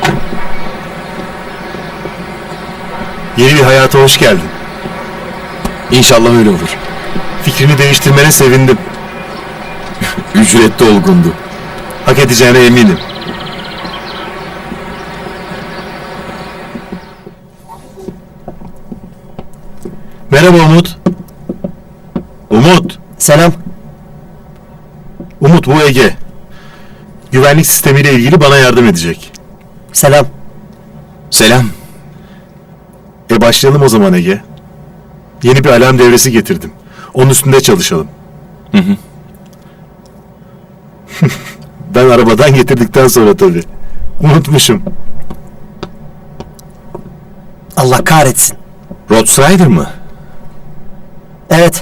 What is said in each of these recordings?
Yeni bir hayata hoş geldin. İnşallah öyle olur. Fikrini değiştirmene sevindim. Ücretli olgundu. Hak edeceğine eminim. Merhaba Umut. Umut. Selam. Umut, bu Ege. Güvenlik sistemiyle ilgili bana yardım edecek. Selam. Selam. Başlayalım o zaman Ege. Yeni bir alarm devresi getirdim. Onun üstünde çalışalım. Hı hı. Ben arabadan getirdikten sonra tabii. Unutmuşum. Allah kahretsin. Roadstrider mı? Evet.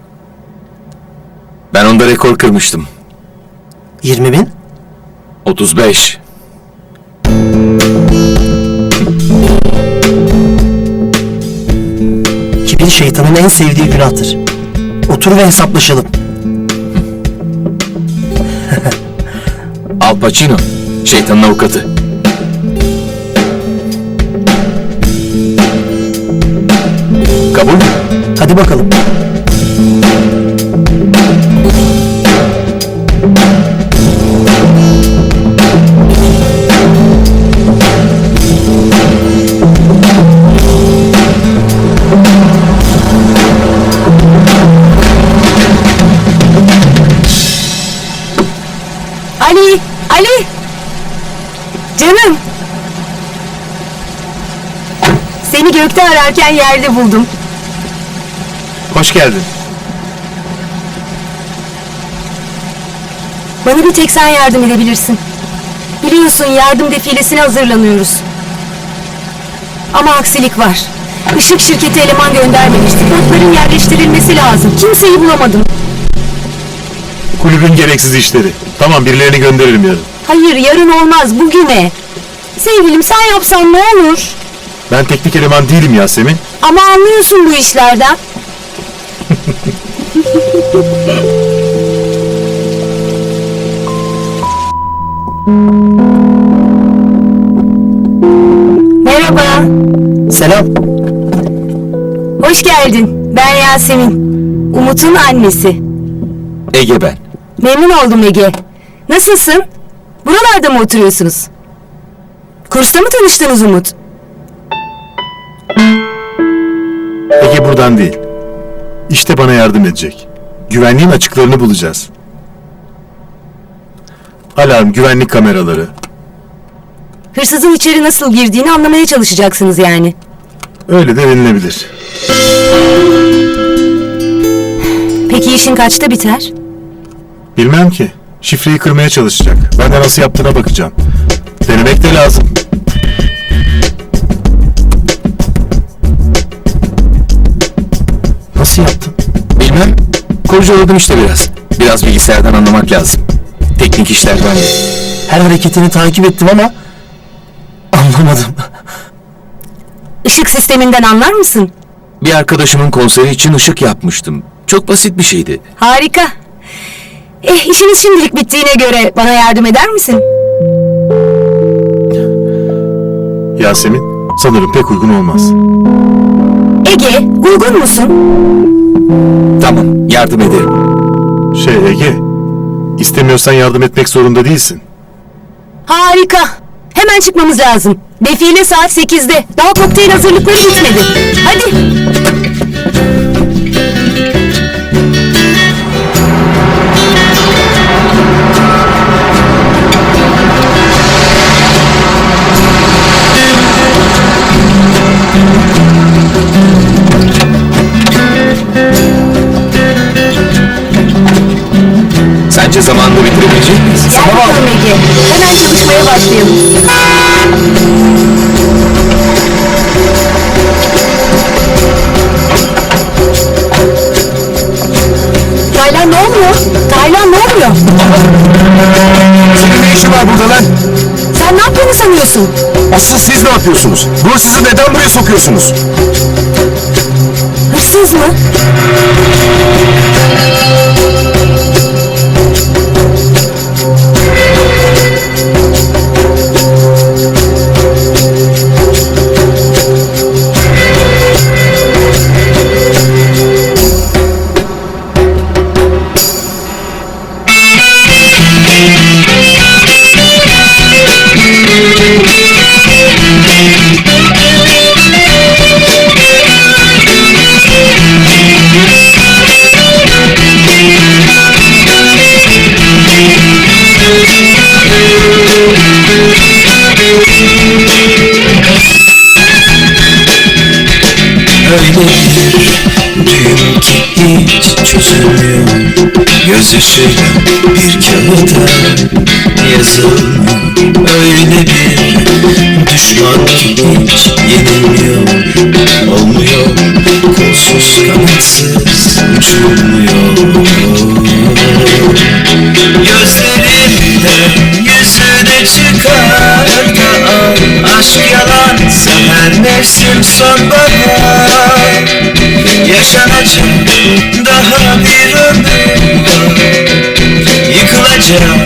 Ben onda rekor kırmıştım. 20.000. 35. Kibir şeytanın en sevdiği günahtır. Otur ve hesaplaşalım. Al Pacino. Şeytanın avukatı. Kabul mü? Hadi bakalım. Ali! Ali! Canım! Seni gökte ararken yerde buldum. Hoş geldin. Bana bir tek sen yardım edebilirsin. Biliyorsun yardım defilesine hazırlanıyoruz. Ama aksilik var. Işık şirketi eleman göndermemişti. Notların yerleştirilmesi lazım. Kimseyi bulamadım. Kulübün gereksiz işleri. Tamam, birilerini gönderirim yarın. Hayır, yarın olmaz, bugüne. Sevgilim, sen yapsan ne olur? Ben teknik eleman değilim Yasemin. Ama anlıyorsun bu işlerden. Merhaba. Selam. Hoş geldin. Ben Yasemin. Umut'un annesi. Ege ben. Memnun oldum Ege. Nasılsın? Buralarda mı oturuyorsunuz? Kursta mı tanıştınız Umut? Ege buradan değil. İşte bana yardım edecek. Güvenliğin açıklarını bulacağız. Alarm, güvenlik kameraları. Hırsızın içeri nasıl girdiğini anlamaya çalışacaksınız yani. Öyle de denilebilir. Peki işin kaçta biter? Bilmem ki. Şifreyi kırmaya çalışacak. Ben de nasıl yaptığına bakacağım. Denemek de lazım. Nasıl yaptın? Bilmem. Kurcaladım işte biraz. Biraz bilgisayardan anlamak lazım. Teknik işlerden de. Her hareketini takip ettim ama anlamadım. Işık sisteminden anlar mısın? Bir arkadaşımın konseri için ışık yapmıştım. Çok basit bir şeydi. Harika. İşiniz şimdilik bittiğine göre bana yardım eder misin? Yasemin, sanırım pek uygun olmaz. Ege, uygun musun? Tamam, yardım ederim. Ege, istemiyorsan yardım etmek zorunda değilsin. Harika. Hemen çıkmamız lazım. Defile saat 8'de. Daha kokteyl hazırlıkları bitmedi. Hadi. Sence zamanında bitirebilecek miyiz? Hadi bakalım Ege. Hemen çalışmaya başlayalım. Taylan ne oluyor? Taylan ne oluyor? Senin ne işin var burada lan? Sen ne yaptığını sanıyorsun? Asıl siz ne yapıyorsunuz? Bu hırsızı neden buraya sokuyorsunuz? Hırsız mı? Öyle bir düğüm ki hiç çözülmüyor. Gözyaşıyla bir kağıda yazılmıyor. Öyle bir düşman ki hiç yenilmiyor. Olmuyor, kolsuz kanatsız uçulmuyor. Gözlerimden yüzüne çıkar da al. Aşk yalansa her mevsim sonbahar. Yaşanacak daha bir ömür var. Yıkılacak